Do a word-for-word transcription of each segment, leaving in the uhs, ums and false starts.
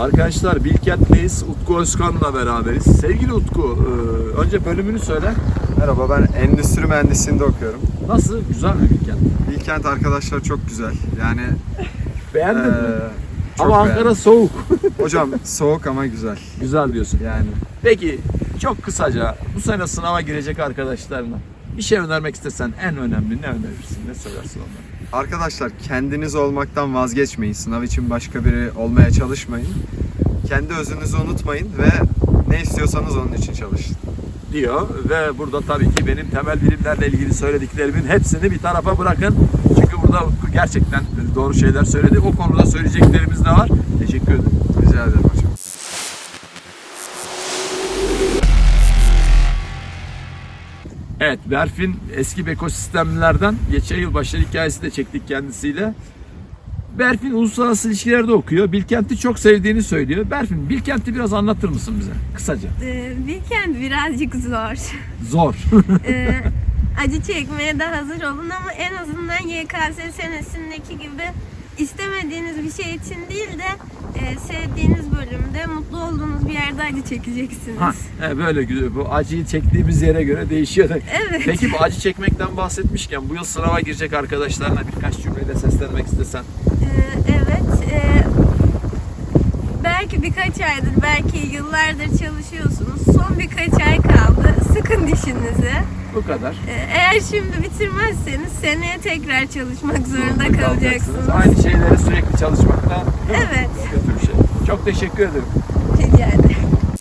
Arkadaşlar Bilkent'teyiz. Utku Özkan'la beraberiz. Sevgili Utku, e, önce bölümünü söyle. Merhaba, ben endüstri mühendisliğinde okuyorum. Nasıl? Güzel mi Bilkent? Bilkent arkadaşlar çok güzel. Yani Beğendin eee, mi? çok Ama Ankara beğendim. soğuk. Hocam soğuk ama güzel. Güzel diyorsun. Yani Peki çok kısaca bu sene sınava girecek arkadaşlarına bir şey önermek istesen en önemli ne önerirsin? Ne söylersin onlara? arkadaşlar kendiniz olmaktan vazgeçmeyin. Sınav için başka biri olmaya çalışmayın. Kendi özünüzü unutmayın ve ne istiyorsanız onun için çalışın. Diyor ve burada tabii ki benim temel bilimlerle ilgili söylediklerimin hepsini bir tarafa bırakın. Çünkü burada Utku gerçekten doğru şeyler söyledi. O konuda söyleyeceklerimiz de var. Teşekkür ederim. Rica ederim hocam. Evet, Berfin eski Beko sistemlerden geçen yıl başarı hikayesi de çektik kendisiyle. Berfin uluslararası ilişkilerde okuyor. Bilkent'i çok sevdiğini söylüyor. Berfin, Bilkent'i biraz anlatır mısın bize kısaca? Ee, Bilkent birazcık zor. Zor. Ee, acı çekmeye de hazır olun ama en azından Y K S senesindeki gibi istemediğiniz bir şey için değil de e, sevdiğiniz bölümde, mutlu olduğunuz bir yerde acı çekeceksiniz. Ha, evet, böyle güzel. Bu acıyı çektiğimiz yere göre değişiyor. Evet. Peki bu acı çekmekten bahsetmişken bu yıl sınava girecek arkadaşlarına birkaç cümleyle seslenmek istesen. Ee, evet. e, belki birkaç aydır, belki yıllardır çalışıyorsunuz. Son birkaç ay kaldı. Sıkın dişinizi. Bu kadar. Ee, eğer şimdi bitirmezseniz seneye tekrar çalışmak zorunda Zorunda kalacaksınız. Aynı şeyleri sürekli çalışmakta Evet. kötü bir şey. Çok teşekkür ederim. Rica ederim.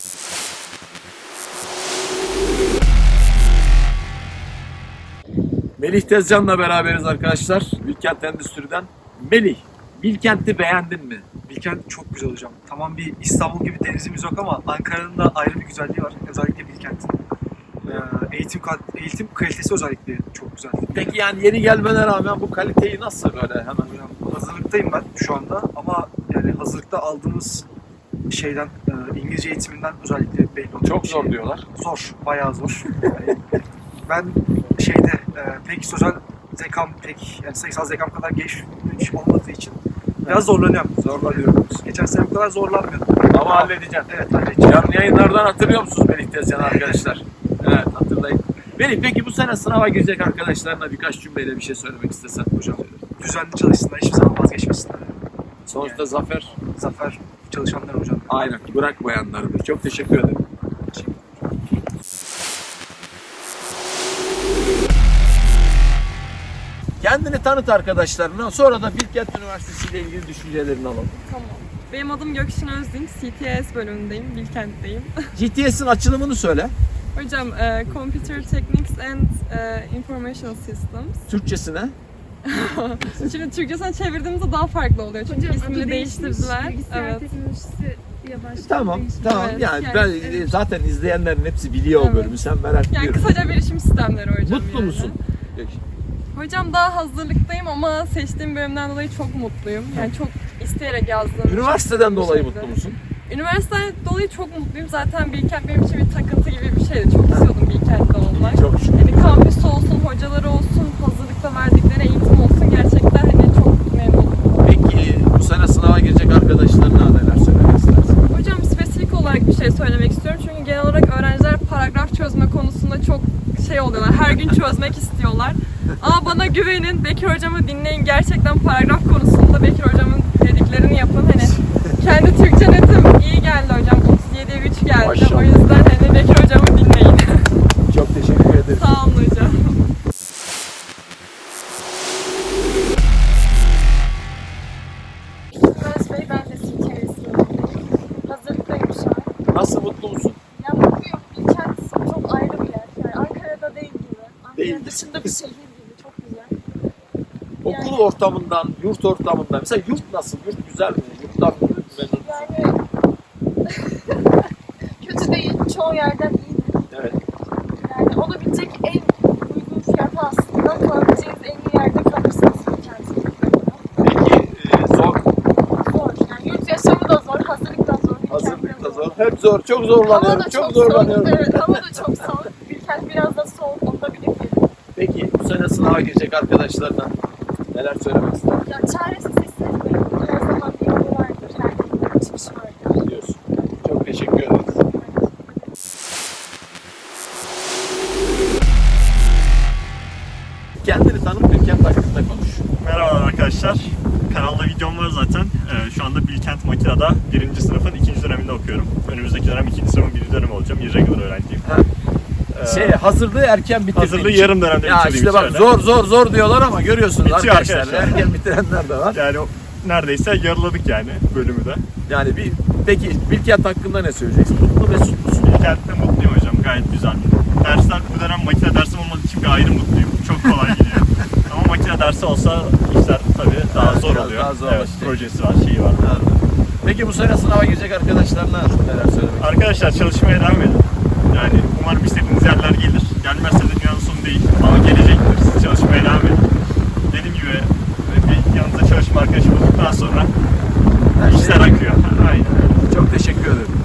Melih Tezcan'la beraberiz arkadaşlar. Bilkent Endüstri'den. Melih, Bilkent'i beğendin mi? Bilkent çok güzel hocam. Tamam, bir İstanbul gibi denizimiz yok ama Ankara'nın da ayrı bir güzelliği var. Özellikle Bilkent'in. Ee, eğitim, kal- eğitim kalitesi özellikle çok güzel. Peki yani yeni gelmene rağmen bu kaliteyi nasıl böyle hemen? Hocam, hazırlıktayım ben şu anda ama yani hazırlıkta aldığımız şeyden, e, İngilizce eğitiminden özellikle belli oluyor. Çok zor diyorlar. Zor, bayağı zor. Yani ben şeyde e, pek sözel zekam pek, yani sayısal zekam kadar geniş olmadığı için biraz zorlanıyorum. Zorlanıyorum. Geçen sene bu kadar zorlanmıyordum. Ama halledeceğim. Evet, halledeceğim. Canlı yayınlardan hatırlıyor musunuz Melih Tezcan arkadaşlar? Evet, hatırlayın. Melih, peki bu sene sınava girecek arkadaşlarına birkaç cümleyle bir şey söylemek istesen hocam. Düzenli çalışsınlar, hiçbir zaman vazgeçmesinler. Sonuçta zafer Zafer çalışanlar hocam. aynen bırakmayanlardır. Çok teşekkür ederim. Kendini tanıt arkadaşlarına, sonra da Bilkent Üniversitesi ile ilgili düşüncelerini alalım. Tamam. Benim adım Gökşin Özdinç, C T S bölümündeyim, Bilkent'teyim. G T S'in açılımını söyle. Hocam, e, Computer Techniques and e, Information Systems. Türkçesine. Şimdi Türkçesine çevirdiğimizde daha farklı oluyor çünkü Hocam, ismini adı değiştirdiler. değişmiş, bilgisayar Evet. teknolojisi diye başladı. Tamam, değişmiş. tamam. Evet, yani, yani, ben evet. zaten izleyenlerin hepsi biliyor o Evet. bölümü. Sen merak Yani ediyorum. kısaca bilişim sistemleri hocam. Mutlu yani. musun? Hocam daha hazırlıktayım ama seçtiğim bölümden dolayı çok mutluyum. Yani çok isteyerek yazdım. Üniversiteden Çok dolayı bir şeydi. mutlu musun? Üniversiteden dolayı çok mutluyum. Zaten Bilkent benim için bir takıntı gibi bir şeydi. Çok istiyordum Bilkent'te olmak. Çok şükür. Yani kampüs olsun, hocaları olsun, hazırlıkta verdikleri eğitim olsun, gerçekten hani çok memnunum. Peki bu sene sınava girecek arkadaşlarına neler söylemek istersin? Hocam, spesifik olarak bir şey söylemek istiyorum. Çünkü genel olarak öğrenciler paragraf çözme konusunda çok şey oluyorlar. Her gün çözmek istiyorlar. Ama bana güvenin, Bekir hocamı dinleyin. Gerçekten paragraf konusunda Bekir hocamın dediklerini yapın. Hani kendi Türkçe netim iyi geldi hocam. otuz yediye üç geldi. Maşallah. O yüzden hani Bekir hocamı dinleyin. Çok teşekkür ederim. Sağ olun hocam. Öğretmen Bey, ben de C T S'yim. Hazırlıktayım şu an. Nasıl, mutlu musun? Ya mutluyum. Bilkent çok ayrı bir yer. Yani Ankara'da değil gibi. Ankara Değil. dışında bir şehir gibi. Çok güzel. Okul ortamından, yurt ortamından. Mesela yurt nasıl? Yurt güzel mi? Yurttan memnun musun? Yani kötü değil. Çoğu yerden iyi. Evet. Yani olabilecek en uygun fiyata aslında kalabileceğiniz en iyi yerde kalırsınız Bilkent'in. Peki e, zor, Zor. Yani yurt yaşamı da zor, hazırlık da zor. Bilkent hazırlık da de zor. Hep zor, çok Hava zorlanıyorum, da çok, çok zorlanıyorum. soğuk. Evet, hava da çok soğuk. Bilkent biraz da soğuk, onu da bilip Peki bu sene sınava girecek arkadaşlarına neler söylemek istersin? ya çaresiz hissetmeyin. Her zaman bir yolu vardır, her yolun bir çıkışı vardır. teşekkür ederiz. Kendini tanıt, Bilkent hakkında konuş. Merhaba arkadaşlar. Kanalda videom var zaten. Ee, şu anda Bilkent Makina'da birinci sınıfın ikinci döneminde okuyorum. Önümüzdeki dönem ikinci sınıfın birinci dönemi olacağım. irregular öğrenciyim. Ha. Ee, Şey, hazırlığı erken bitirdiğin hazırlığı için. yarım dönemde Ya bitirdiğim işte için bak öyle. zor zor zor diyorlar ama görüyorsunuz Bitiyor arkadaşlar. arkadaşlar. Erken bitirenler de var. Yani o- neredeyse yarıladık yani bölümü de. Yani bir, peki Bilkent hakkında ne söyleyeceksin? Mutlu mesut musun? Bilkent'te mutluyum hocam. Gayet güzel. Dersler bu dönem makine dersim olmadığı için bir ayrı mutluyum. Çok kolay gidiyor. Ama makine dersi olsa işler tabii daha Evet, zor biraz oluyor. daha zorlaşacak. Evet, projesi var, şeyi var. Peki bu sene sınava girecek arkadaşlarına neler söylemek? Arkadaşlar çalışmaya devam edin. Yani umarım istediğiniz yerler gelir. Gelmezse de dünyanın sonu değil. Ama gelecektir. Siz çalışmaya devam edin. Dediğim gibi bir yanınızda çalışma arkadaşı bulduktan sonra işler akıyor. Aynen. Çok teşekkür ederim.